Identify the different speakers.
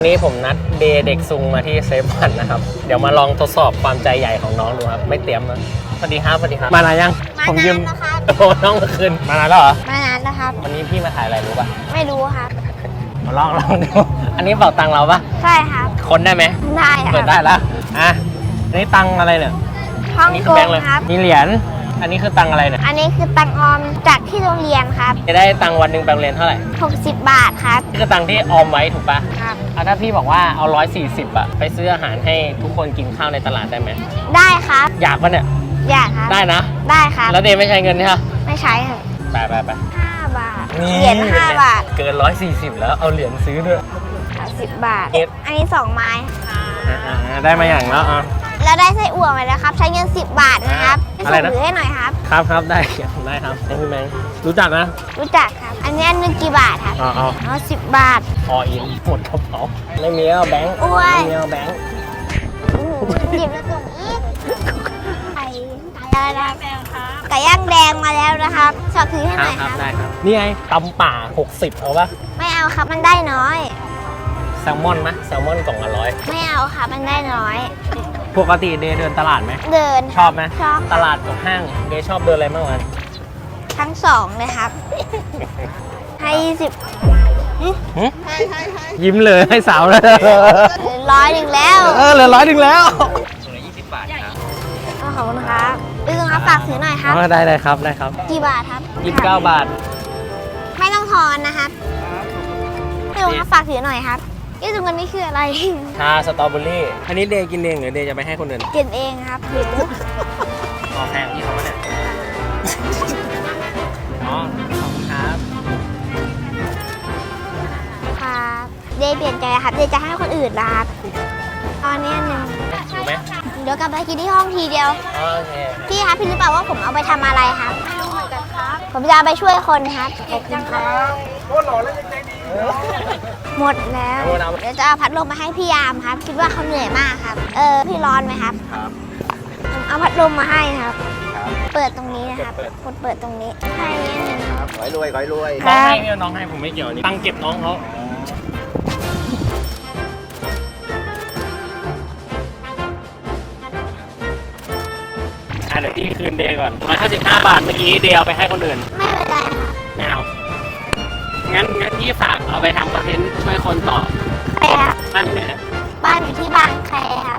Speaker 1: วันนี้ผมนัดเดย์เด็กซุงมาที่เซฟวันนะครับ เดี๋ยวมาลองทดสอบความใจใหญ่ของน้องดูครับ ไม่เตรียมนะสวัสดีครับสวัสดีครับ มานานยัง ผมยืม
Speaker 2: มานานแล้วครับ
Speaker 1: โอ้น้องเมื่อคืนมานานแล้วเหรอ
Speaker 2: มานานแล้วครับ
Speaker 1: วันนี้พี่มาถ่ายอะไรรู้ป่ะ
Speaker 2: ไม่รู้ครับ
Speaker 1: มาลองดู อันนี้เป่าตังค์เราป่ะ
Speaker 2: ใช่ครับ
Speaker 1: คนได้ไหม
Speaker 2: ได้ค
Speaker 1: เปิ
Speaker 2: รั
Speaker 1: ด
Speaker 2: บ
Speaker 1: ได้แล้วอ่ะอันนี้ตังค์อะไรเนี่ย
Speaker 2: ฮ่อง
Speaker 1: นี่
Speaker 2: ก
Speaker 1: คือง แบงค์เลย
Speaker 2: ครับ
Speaker 1: มีเหรียญ อันนี้คือตังค์อะไรเนี่ย
Speaker 2: อันนี้คือตังออมจากที่โรงเรียนครับ
Speaker 1: จะได้ตังค์วันหนึ่งไปโรงเรียนเท่าไหร่
Speaker 2: 60 บาทครับ
Speaker 1: นี่คือตังค์ที่ออมไว้ถูกป่ะ
Speaker 2: ครับ
Speaker 1: ถ้าพี่บอกว่าเอา140อะไปซื้ออาหารให้ทุกคนกินข้าวในตลาดได้ไหม
Speaker 2: ได้ครับ
Speaker 1: อยากปะเนี่ย
Speaker 2: อยากครับ
Speaker 1: ได้นะ
Speaker 2: ได้ครับ
Speaker 1: แล้วเดย์ไม่ใช้เงินใช่ไหม
Speaker 2: ไม่ใช้ครับ
Speaker 1: ไป
Speaker 2: 5 บาท เหรียญ5 บาท
Speaker 1: เกิน140แล้วเอาเหรียญซื้อด้วย
Speaker 2: 10 บาท
Speaker 1: เอ็ด
Speaker 2: อันนี้ 2 ไม้
Speaker 1: ได้มาอย่างแล้วอ่ะ
Speaker 2: แล้วได้ไส้อั่วมาแล้วครับ ใช้เงิน 10 บาทนะครับ
Speaker 1: อะไรนะ
Speaker 2: ส่งถือให้หน่อยครับ
Speaker 1: ครับได้ครับให้พี่แมงรู้จักนะ
Speaker 2: รู้จักครับ อันนี้อันหนึงกี่บาทครับ
Speaker 1: เอา
Speaker 2: เอา10 บาท
Speaker 1: พออินหมดกระเป๋าไม่มีแล้วแบงค์
Speaker 2: อ้วน
Speaker 1: ไม่มีแล้วแบงค์
Speaker 2: หยิบแล้วส่งอีกไก่อะไรนะไก่ย่างแดงมาแล้วนะครับชอบถือให้หน่อย
Speaker 1: ค
Speaker 2: ค
Speaker 1: รั
Speaker 2: รั
Speaker 1: บบ ได้ครับนี่ไงตำป่า60เอาปะ
Speaker 2: ไม่เอาครับมันได้น้อย
Speaker 1: แซลมอนไหมแซลมอนกล่องละ100
Speaker 2: ไม่เอาครับมันได้น้อย
Speaker 1: ปกติเดย์เดินตลาดไหม
Speaker 2: เดิน
Speaker 1: ชอบไหม
Speaker 2: ชอบ
Speaker 1: ตลาดกับห้างเดย์ชอบเดินอะไรมากกว่ากัน
Speaker 2: ทั้งสองเลยครับ ให้
Speaker 1: ยิ้มเลยให้สาวเลย
Speaker 2: 100แล้ว
Speaker 1: เหลือ100แล้ว
Speaker 2: ขอบคุณครับพี่ลุงครับฝากถือหน่อยครับ
Speaker 1: ได้ครับได้ครับ
Speaker 2: กี่บาทครับ
Speaker 1: 29 บาท
Speaker 2: ไม่ต้องทอนนะครับพี่ลุงครับฝากถือหน่อยครับพี่ลุงกันนี่คืออะไร
Speaker 1: ชาสตรอเบอรี่อันนี้เดย์กินเองหรือเดย์จะไปให้คนอื่น
Speaker 2: กินเองครับหิว
Speaker 1: ขอแพงที่เขามาเนี่ยอ๋อขอบคุณครับ
Speaker 2: ครับเดย์เปลี่ยนใจครับเดย์จะให้คนอื่นนะครับตอนนี้หนึ่ง
Speaker 1: ถูกไหม
Speaker 2: เดี๋ยวกลับไปกินที่ห้องทีเดียว
Speaker 1: โอเค
Speaker 2: พี่ครับพี่รู้เปล่าว่าผมเอาไปทำอะไรครับผมจะเอาไปช่วยคนครับขอบคุณครับหมดแล้ว เดี๋ยวจะเอาพัดลมมาให้พี่ยามครับ คิดว่าเขาเหนื่อยมากครับ พี่ร้อนไหมครับ
Speaker 1: ครับ
Speaker 2: ผมเอาพัดลมมาให้ครับ
Speaker 1: ครับ
Speaker 2: เปิดตรงนี้นะครับกดเปิดตรงนี้ให้นิดนึง
Speaker 3: ขอให้รวยขอให้รวย
Speaker 1: น้องให้เนี่ยน้องให้ผมไม่เกี่ยวนี่ตั้งเก็บน้องเขาเดี๋ยวพี่คืนเดย์ก่อน155 บาทเมื่อกี้เดย์เอาไปให้คนอื่น
Speaker 2: ไม่เป็นไรครับ
Speaker 1: ไม่เอางั้นพี่ฝากเอาไปทำคอนเทนต์ช่วยคนต่อ
Speaker 2: ใครครับ
Speaker 1: นั่นเนี่ย
Speaker 2: บ้านอยู่ที่บางแคค